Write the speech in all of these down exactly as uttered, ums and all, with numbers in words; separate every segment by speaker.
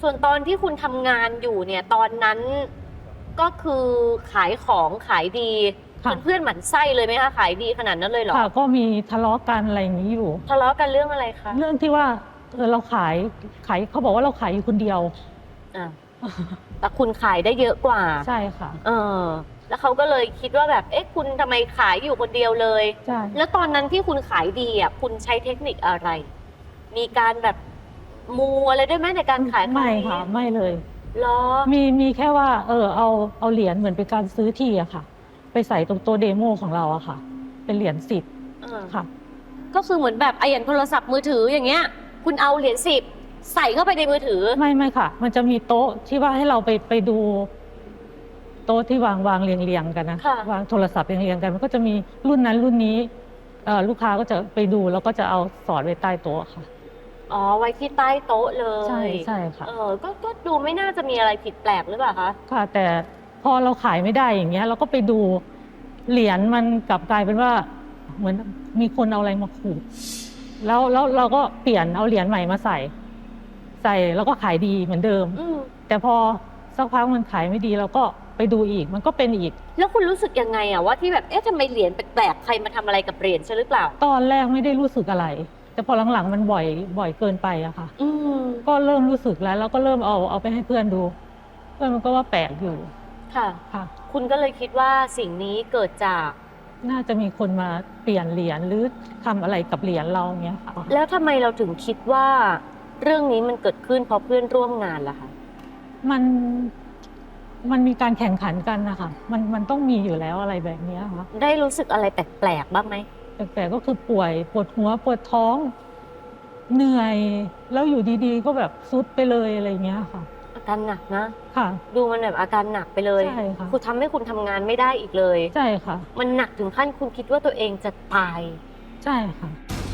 Speaker 1: ส่วนตอนที่คุณทำงานอยู่เนี่ยตอนนั้นก็คือขายของขายดีจนเพื่อนหมั่นไส้เลยไหมคะขายดีขนาดนั้นเลยเหรอ
Speaker 2: ค่ะก็มีทะเลาะกันอะไรอย่างนี้อยู่
Speaker 1: ทะเลาะกันเรื่องอะไรคะ
Speaker 2: เรื่องที่ว่าเออเราขายขายเขาบอกว่าเราขายอยู่คนเดียว
Speaker 1: อ่าแต่คุณขายได้เยอะกว่า
Speaker 2: ใช่ค่ะ
Speaker 1: เออแล้วเขาก็เลยคิดว่าแบบเอ๊ะคุณทำไมขายอยู่คนเดียวเลย
Speaker 2: ใช่
Speaker 1: แล้วตอนนั้นที่คุณขายดีอ่ะคุณใช้เทคนิคอะไร มีการแบบมูอะไรด้วยไหมในการขาย
Speaker 2: ไม่ค่ะไม่เลย
Speaker 1: หรอ
Speaker 2: มีมีแค่ว่าเออเอาเอาเหรียญเหมือนเป็นการซื้อที่อะค่ะไปใส่ตรงตัวเดโมของเราอะค่ะเป็นเหรียญสิบค่ะ
Speaker 1: ก็คือเหมือนแบบไอ้อย่างโทรศัพท์มือถืออย่างเงี้ยคุณเอาเหรียญสิบใส่เข้าไปในมือถือ
Speaker 2: ไม่ไม่ค่ะมันจะมีโต๊ะที่ว่าให้เราไปไปดูโต๊ะที่วางวางเรียงเรียงกันนะวางโทรศัพท์เรียงเรียงกันมันก็จะมีรุ่นนั้นรุ่นนี้ลูกค้าก็จะไปดูแล้วก็จะเอาสอดไว้ใต้โต๊ะค่ะ
Speaker 1: อ๋อไว้ที่ใต้โต๊ะเลย
Speaker 2: ใช่ใช่ค่ะ
Speaker 1: เออก็ก็ดูไม่น่าจะมีอะไรผิดแปลกหรือเปล่าคะ
Speaker 2: ค่ะแต่พอเราขายไม่ได้อย่างเงี้ยเราก็ไปดูเหรียญมันกลับกลายเป็นว่าเหมือนมีคนเอาอะไรมาขูดแล้วแล้วเราก็เปลี่ยนเอาเหรียญใหม่มาใส่ใส่แล้วก็ขายดีเหมือนเดิมแต่พอสักพักมันขายไม่ดีเราก็ไปดูอีกมันก็เป็นอีก
Speaker 1: แล้วคุณรู้สึกยังไงอะว่าที่แบบเอ๊ะทำไมเหรียญแปลกๆใครมาทำอะไรกับเหรียญใช่หรือเปล่า
Speaker 2: ตอนแรกไม่ได้รู้สึกอะไรแต่พอหลังๆมันบ่อยบ่อยเกินไปอะค่ะก็เริ่มรู้สึกแล้วแล้วก็เริ่มเอาเอาไปให้เพื่อนดูเพื่อนมันก็ว่าแปลกอยู่
Speaker 1: ค่ะค่ะคุณก็เลยคิดว่าสิ่งนี้เกิดจาก
Speaker 2: น่าจะมีคนมาเปลี่ยนเหรียญหรือทำอะไรกับเหรียญเราเงี้ยค่ะ
Speaker 1: แล้วทำไมเราถึงคิดว่าเรื่องนี้มันเกิดขึ้นเพราะเพื่อนร่วมงานล่ะคะ
Speaker 2: มันมันมีการแข่งขันกันนะคะมันมันต้องมีอยู่แล้วอะไรแบบนี้ค่ะ
Speaker 1: ได้รู้สึกอะไรแปลกๆบ้างไหม
Speaker 2: แปลกๆก็คือป่วยปวดหัวปวดท้องเหนื่อยแล้วอยู่ดีๆก็แบบซุดไปเลยอะไรเงี้ยค่ะ
Speaker 1: อาการหนักนะ
Speaker 2: ค่ะ
Speaker 1: ดูมันแบบอาการหนักไปเลย
Speaker 2: ใช่ค่ะ
Speaker 1: คุณทำให้คุณทำงานไม่ได้อีกเลย
Speaker 2: ใช่ค่ะ
Speaker 1: มันหนักถึงขั้นคุณคิดว่าตัวเองจะตาย
Speaker 2: ใช่ค่ะ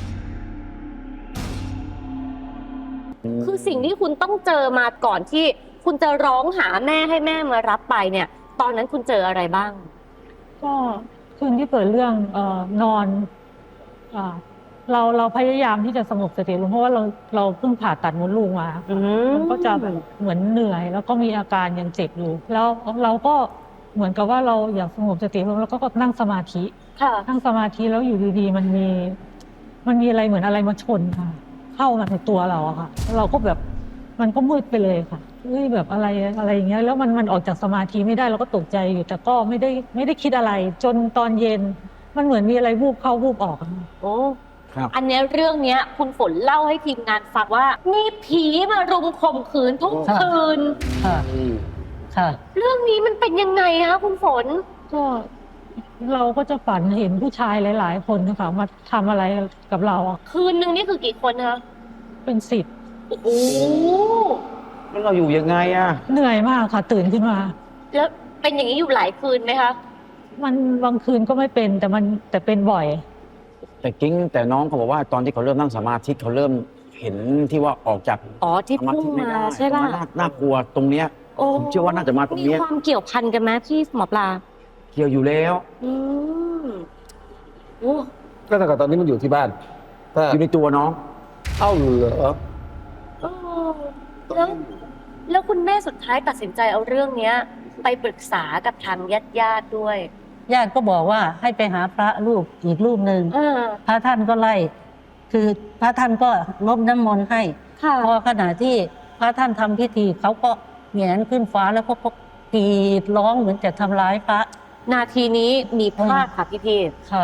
Speaker 1: คือสิ่งที่คุณต้องเจอมาก่อนที่คุณจะร้องหาแม่ให้แม่มารับไปเนี่ยตอนนั้นคุณเจออะไรบ้าง
Speaker 2: ก็คืนที่เกิดเรื่องเอ่อนอนอ่าเราเราพยายามที่จะสงบสติลงเพราะว่าเราเราเพิ่งผ่าตัดมดลูกมามันก็จะแบบเหมือนเหนื่อยแล้วก็มีอาการยังเจ็บอยู่แล้วเราก็เหมือนกับว่าเราอยากสงบสติลงแล้วก็นั่งสมาธินั่งสมาธิแล้วอยู่ดีๆมันมีมันมีอะไรเหมือนอะไรมาชนค่ะเข้ามาในตัวเราอะค่ะเราก็แบบมันก็มืดไปเลยค่ะเฮ้ยแบบอะไรอะไรอย่างเงี้ยแล้วมันมันออกจากสมาธิไม่ได้เราก็ตกใจอยู่แต่ก็ไม่ได้ไม่ได้คิดอะไรจนตอนเย็นมันเหมือนมีอะไรวูบเข้าวูบออก
Speaker 1: โอ้อันนี้เรื่องนี้คุณฝนเล่าให้ทีมงานฟังว่ามีผีมารุมข่มขืนทุกคืน
Speaker 2: ค่ะค่ะ
Speaker 1: เรื่องนี้มันเป็นยังไงคะคุณฝน
Speaker 2: ก็เราก็จะฝันเห็นผู้ชายหลายๆคนนะคะมาทำอะไรกับเรา
Speaker 1: คืนนึงนี่คือกี่คนคะ
Speaker 2: เป็นสิบ
Speaker 1: โอ้โห
Speaker 3: แล้วเราอยู่ยังไงอะ
Speaker 2: เหนื่อยมากค่ะตื่นขึ้นมา
Speaker 1: แล้วเป็นอย่างนี้อยู่หลายคืนไหมคะ
Speaker 2: มันบางคืนก็ไม่เป็นแต่มันแต่เป็นบ่อย
Speaker 3: แต่กิ้งแต่น้องเขาบอกว่าตอนที่เขาเริ่มนั่งสมาธิเขาเริ่มเห็นที่ว่าออกจาก
Speaker 1: อ๋อที่พุ่งมาใช่ป่ะ
Speaker 3: น่ากลัวตรงเนี้ยผมเชื่อว่าน่าจะมาตรงนี้
Speaker 1: มีความเกี่ยวพันกันไหมพี่หมอปลา
Speaker 3: เกี่ยวอยู่แล้ว
Speaker 1: อืมโอ้
Speaker 4: ก็แต่ตอนนี้มันอยู่ที่บ้าน
Speaker 3: อยู่ในตัวน้อง
Speaker 4: เอ้าเหรอ
Speaker 1: แล้วแล้วคุณแม่สุดท้ายตัดสินใจเอาเรื่องนี้ไปปรึกษากับทางญาติญาติด้วย
Speaker 5: ญาติก็บอกว่าให้ไปหาพระรูปอีกรูปหนึ่งพระท่านก็ไล่คือพระท่านก็ลบน้ำมนต์ให้พอขณะที่พระท่านทำพิธีเขาก็แหงนขึ้นฟ้าแล้วก็กรีดร้องเหมือนจะทำร้ายพระ
Speaker 1: นาทีนี้มีภาพค่ะพี่พี
Speaker 5: ค่ะ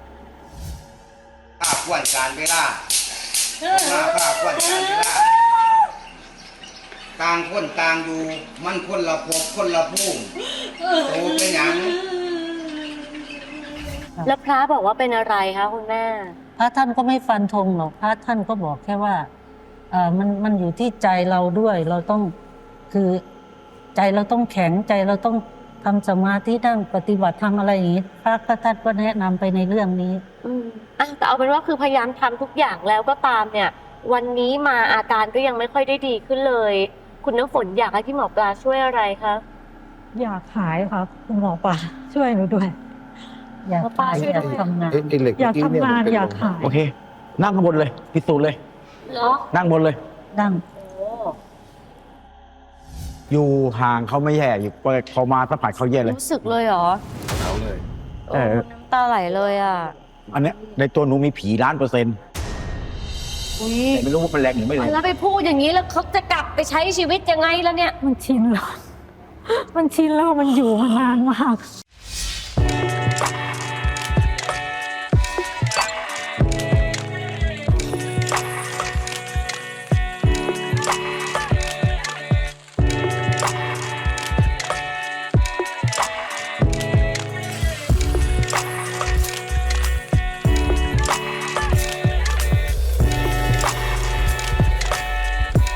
Speaker 6: ภาพควนการเวลาภาพภาพควนการเวลาต่างคนต่างอยู่มันคนละภพคนละภูมิโตเป็นหยัง
Speaker 1: แล้วพระบอกว่าเป็นอะไรคะคุณแม่
Speaker 5: พระท่านก็ไม่ฟันธงหรอกพระท่านก็บอกแค่ว่าเออมันมันอยู่ที่ใจเราด้วยเราต้องคือใจเราต้องแข็งใจเราต้องทำสมาธินั่งปฏิบัติทำอะไรอย่างนี้พระท่านก็แนะนำไปในเรื่องนี้
Speaker 1: อืมอ่ะแต่เอาเป็นว่าคือพยายามทำทุกอย่างแล้วก็ตามเนี่ยวันนี้มาอาการก็ยังไม่ค่อยได้ดีขึ้นเลยคุณน้ำฝนอยากให้พี่หมอปลาช่วยอะไรคะ
Speaker 2: อยากหายครับคุณหมอปลาช่วยหนูด้วย
Speaker 5: อยากหายอยากทำงาน
Speaker 2: อยากทำงานอยากหาย
Speaker 3: โอเคนั่งข้างบนเลยพิสูจน์เลย
Speaker 1: เหรอ
Speaker 3: นั่งบนเลย
Speaker 5: นั่ง
Speaker 3: อยู่ห่างเขาไม่แย่อยู่เขามาสัมผัสเขาแย่เลย
Speaker 1: รู้สึกเลยเหรอ
Speaker 4: เอาเลย
Speaker 1: โอ้น้ำตาไหลเลยอ่ะ
Speaker 3: อันเนี้ยในตัวหนูมีผีล้านเปอร์เซ็นต์
Speaker 1: อุ้ย
Speaker 3: แต่ไม่รู้ว่าเป็นแรงหรือไม่แรง
Speaker 1: แล้วไปพูดอย่างนี้แล้วเขาจะกลับไปใช้ชีวิตยังไงแล้วเนี่ย
Speaker 2: มันชินแล้ว มันชินแล้วมันอยู่มานานมาก